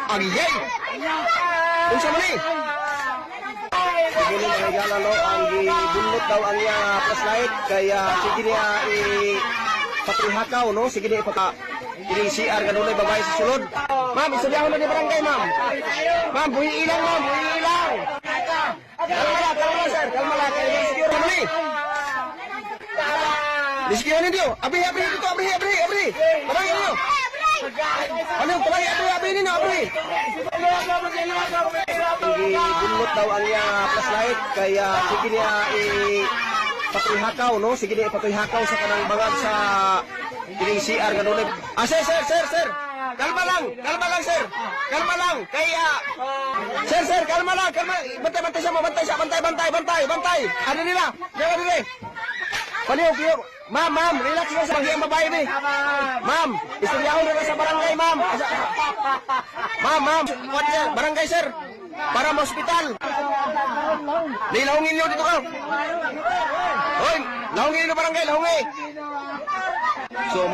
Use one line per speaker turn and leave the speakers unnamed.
Agiyay! Unsa man ni? Sige ni mga no, ang gibunot daw ang iya flashlight kaya sige niya patrihakaw no, sige niya ipaka ini CR ganun ay babae sa sulod. Ma'am, isulyahan na ni barangay ma'am. Ma'am, buhi ilang ma'am, buhi ilang. Kalma sir, kalma lang kay rescue naman ni. Rescue niyo. Abri dito, abri. Barangay niyo. Ano, tuloy abri ninyo, abri. Ibunot daw ang iya flashlight kaya sige niya patrihakaw no, sige niya patrihakaw sa kanang bangag sa ini CR ganun. Sir. Kalma lang sir. Kalma lang. Kaya sir, kalma lang. Bantay siya mo, bantay. Ano nila? Diyan dire. Paliw. Ma'am, relax lang sa hiyang babae ni. Ma'am, istoryahan na sa barangay, ma'am. Ma'am, barangay sir. Para sa ospital. Nilahungin niyo dito ka. Hoy, lahungin niyo barangay, lahungin. So